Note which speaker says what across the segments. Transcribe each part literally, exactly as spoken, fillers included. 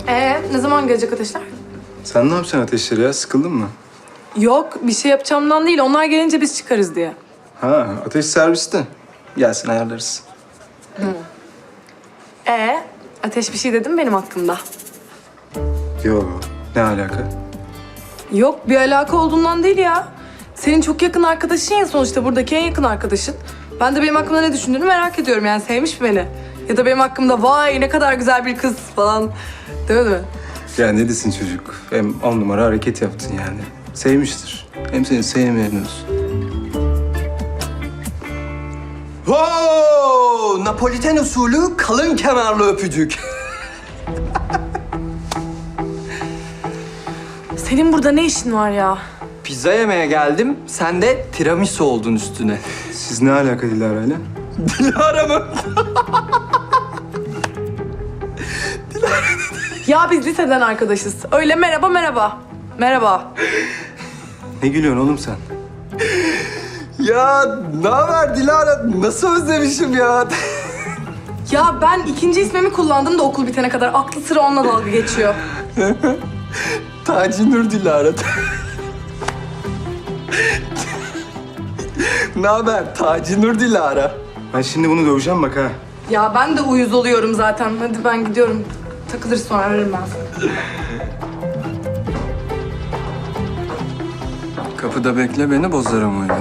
Speaker 1: Ee, ne zaman gelecek Ateşler?
Speaker 2: Sen ne yapacaksın Ateşleri ya? Sıkıldın mı?
Speaker 1: Yok, bir şey yapacağımdan değil. Onlar gelince biz çıkarız diye.
Speaker 2: Ha, Ateş serviste. Gelsin ayarlarız.
Speaker 1: Ee, Ateş bir şey dedi mi benim hakkımda?
Speaker 2: Yo, ne alaka?
Speaker 1: Yok, bir alaka olduğundan değil ya. Senin çok yakın arkadaşın ya sonuçta, buradaki en yakın arkadaşın. Ben de benim hakkımda ne düşündüğünü merak ediyorum yani, sevmiş mi beni? Ya da benim hakkımda vay ne kadar güzel bir kız falan demedi mi?
Speaker 2: Ya ne desin çocuk? Hem on numara hareket yaptın yani. Sevmiştir. Hem seni sevmeyen olsun.
Speaker 3: Wow! Napoliten usulü kalın kenarlı öpücük.
Speaker 1: Senin burada ne işin var ya?
Speaker 3: Pizza yemeye geldim, sen de tiramisu oldun üstüne.
Speaker 2: Siz ne alaka Dilara'yla?
Speaker 3: Dilara mı?
Speaker 1: Ya biz liseden arkadaşız. Öyle merhaba merhaba. Merhaba.
Speaker 2: Ne gülüyorsun oğlum sen?
Speaker 3: Ya ne haber Dilara? Nasıl özlemişim ya?
Speaker 1: Ya ben ikinci ismimi kullandım da okul bitene kadar. Aklı sıra onunla dalga geçiyor.
Speaker 3: Taci Nur Dilara. Ne haber Taci Nur Dilara?
Speaker 2: Ben şimdi bunu döveceğim bak ha.
Speaker 1: Ya ben de uyuz oluyorum zaten. Hadi ben gidiyorum. Takılırız sonra, ararım ben seni.
Speaker 3: Kapıda bekle beni, bozarım oyunu.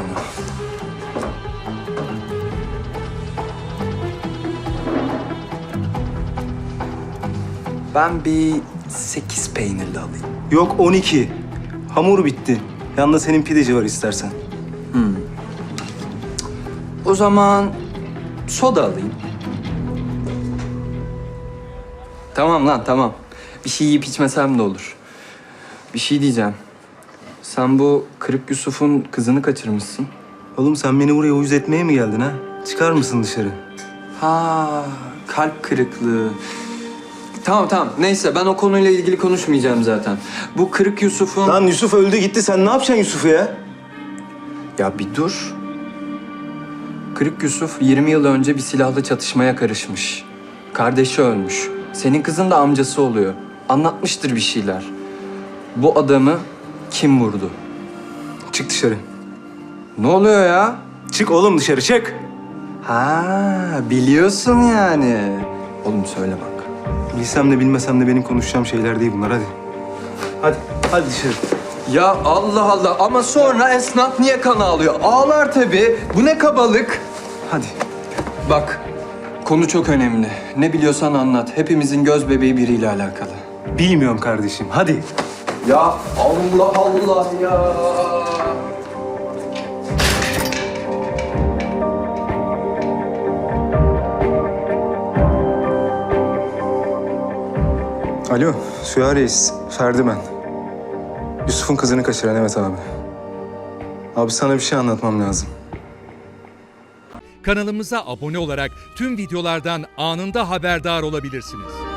Speaker 3: Ben bir sekiz peynirli alayım.
Speaker 2: Yok on iki. Hamur bitti. Yanında senin pideci var istersen.
Speaker 3: O zaman soda alayım. Tamam lan tamam. Bir şey yiyip içmesem de olur. Bir şey diyeceğim. Sen bu Kırık Yusuf'un kızını kaçırmışsın.
Speaker 2: Oğlum sen beni buraya uyuz etmeye mi geldin ha? Çıkar mısın dışarı?
Speaker 3: Ha, kalp kırıklığı. Tamam tamam. Neyse ben o konuyla ilgili konuşmayacağım zaten. Bu Kırık Yusuf'un...
Speaker 2: Lan Yusuf öldü gitti. Sen ne yapacaksın Yusuf'u ya?
Speaker 3: Ya bir dur. Kırık Yusuf yirmi yıl önce bir silahlı çatışmaya karışmış. Kardeşi ölmüş. Senin kızın da amcası oluyor. Anlatmıştır bir şeyler. Bu adamı kim vurdu?
Speaker 2: Çık dışarı.
Speaker 3: Ne oluyor ya?
Speaker 2: Çık oğlum dışarı çık.
Speaker 3: Ha, biliyorsun yani. Oğlum söyle bak.
Speaker 2: Bilsem de bilmesem de benim konuşacağım şeyler değil bunlar hadi. Hadi, hadi dışarı.
Speaker 3: Ya Allah Allah ama sonra esnaf niye kan ağlıyor? Ağlar tabii. Bu ne kabalık?
Speaker 2: Hadi.
Speaker 3: Bak, konu çok önemli. Ne biliyorsan anlat. Hepimizin göz bebeği biriyle alakalı.
Speaker 2: Bilmiyorum kardeşim hadi.
Speaker 3: Ya Allah Allah ya.
Speaker 2: Alo, Süha Reis. Ferdi ben. Yusuf'un kızını kaçıran evet abi. Abi sana bir şey anlatmam lazım.
Speaker 4: Kanalımıza abone olarak tüm videolardan anında haberdar olabilirsiniz.